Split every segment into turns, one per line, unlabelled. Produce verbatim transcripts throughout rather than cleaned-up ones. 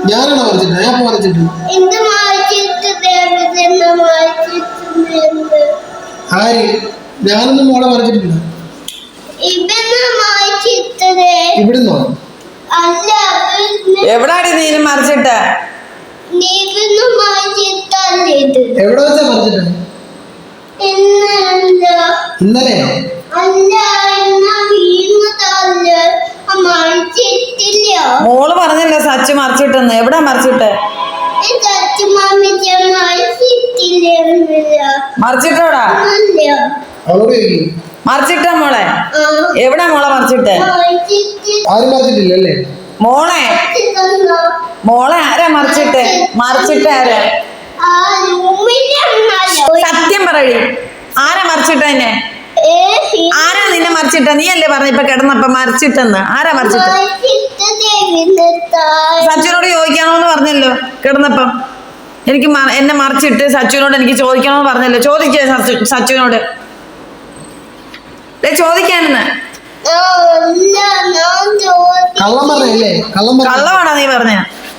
ഞാനാണോ വരച്ചിട്ട്? ഞാൻ വരച്ചിട്ട് ആര്? ഞാനൊന്നും മോളെ വരച്ചിട്ടില്ല. ഇവിടുന്നോ?
എവിടാടി നീനും മറിച്ചിട്ട്?
എവിടെ വെച്ചാ മറിച്ചിട്ട്? ഇന്നലെയോ?
മോള് പറഞ്ഞില്ല സച്ചു മറിച്ചിട്ടെന്ന്. എവിടാ മറിച്ചിട്ട്? മറിച്ചിട്ടോടാ? മറിച്ചിട്ടാ മോളെ? എവിടാ മോളെ മറിച്ചിട്ട്?
ആരും മറിച്ചിട്ടില്ലല്ലേ
മോളെ? മോളെ ആരാ മറിച്ചിട്ട്? മറിച്ചിട്ട് ആരാ? സത്യം പറയൂ, ആരാ മറിച്ചിട്ടെന്നെ? ആരാ നിന്നെ മറിച്ചിട്ട? നീ അല്ലേ പറഞ്ഞ ഇപ്പൊ കിടന്നപ്പ മറിച്ചിട്ടെന്ന്? ആരാ മറിച്ചിട്ട്? സച്ചുനോട് ചോദിക്കണോന്ന് പറഞ്ഞല്ലോ കിടന്നപ്പം. എനിക്ക് എന്നെ മറിച്ചിട്ട് സച്ചുവിനോട് എനിക്ക് ചോദിക്കണമെന്ന് പറഞ്ഞല്ലോ. ചോദിക്കേ സച്ചുവിനോട്? ചോദിക്കാനെന്ന്. കള്ളമാണോ നീ പറഞ്ഞ?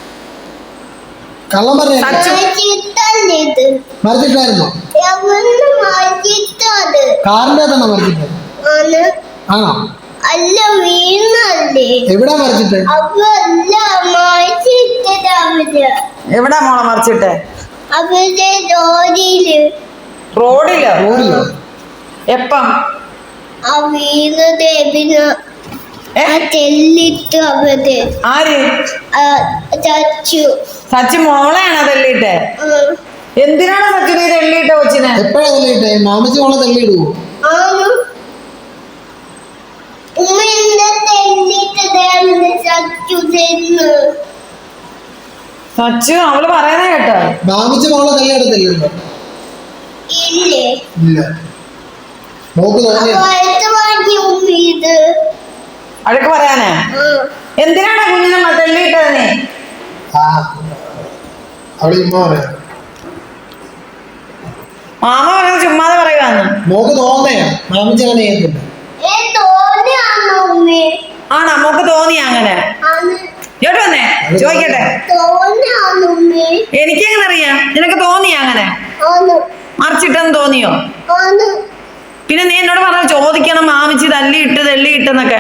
മറിച്ചിട്ടായിരുന്നോ? കാറിന്റെ അകത്താണോ മറിച്ചിട്ട്? ആണോ?
അല്ല, വീണല്ലേ.
എവിടാ മറിച്ചിട്ട്?
എവിടാ മോളെ മറിച്ചിട്ട്?
അവിടെ റോഡില്.
റോഡിലോ?
റോഡിലോ?
എപ്പം?
ആ വീണത് തെല്ലിട്ട് അവിടെ.
ആര്?
ചച്ചു.
സച്ചു മോളെയാണോ തെല്ലിട്ടെ? എന്തിനാണ് സച്ചു നീ തെല്ലിട്ട കൊച്ചിനെ?
എപ്പോഴാ തെല്ലിട്ടെ? മാമച്ചി മോളെ തെല്ലിടുവോ?
സച്ചു അവള് പറയുന്ന കേട്ടോ.
മാമച്ചി മോളെ തെല്ലിടത്തില്ലല്ലോ. ഇല്ല. മോക്ക് തോന്നിയ
അഴക്ക് പറയാനാ? എന്തിനാണ് കുഞ്ഞിനെ തെല്ലിട്ടത് നീ?
അവള് ചുമ്മാ പറയാ.
മാമ പറയുന്നത് ചുമ്മാതെ പറയുവാന്ന്.
മോക്ക് തോന്നയാ, മാമച്ചി അങ്ങനെ ചെയ്യത്തില്ല.
ആണോ? മോക്ക് തോന്നിയ അങ്ങനെ? ഇങ്ങോട്ട് വന്നേ ചോദിക്കട്ടെ. എനിക്കെങ്ങനെ അറിയാം? നിനക്ക് തോന്നിയ അങ്ങനെ? മറിച്ചിട്ടെന്ന് തോന്നിയോ? പിന്നെ നീ എന്നോട് പറഞ്ഞ ചോദിക്കണം മാമിച്ചി തല്ലിയിട്ട് തല്ലിയിട്ടെന്നൊക്കെ.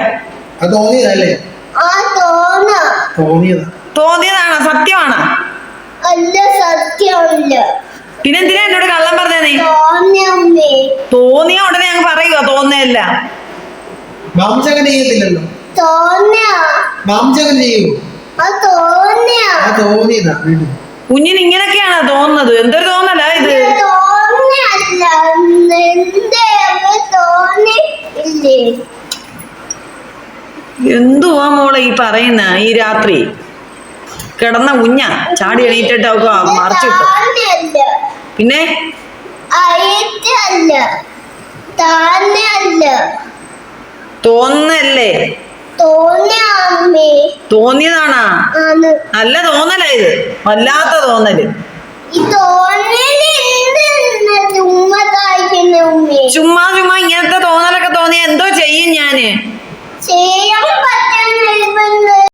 തോന്നിയതാണോ? സത്യമാണോ? പിന്നെ എന്തിനാ എന്നോട് കള്ളം പറഞ്ഞേ നീ? തോന്നിയ ഉടനെ ഞങ്ങൾ പറയുക തോന്നയല്ല. കുഞ്ഞിന് ഇങ്ങനൊക്കെയാണോ തോന്നുന്നത്? എന്തൊരു തോന്നല ഇത്? എന്തുവാ മോളെ ഈ പറയുന്ന? ഈ രാത്രി കിടന്ന കുഞ്ഞ ചാടി എണീറ്റിട്ട് അവക്ക് മറിച്ചിട്ടു. പിന്നെ തോന്നല്ലേ? തോന്നിയതാണാ? നല്ല തോന്നല ഇത്, വല്ലാത്ത തോന്നല്. ചുമ്മാ ചുമ്മാ ഇങ്ങനത്തെ തോന്നലൊക്കെ തോന്നിയ എന്തോ ചെയ്യും ഞാന്?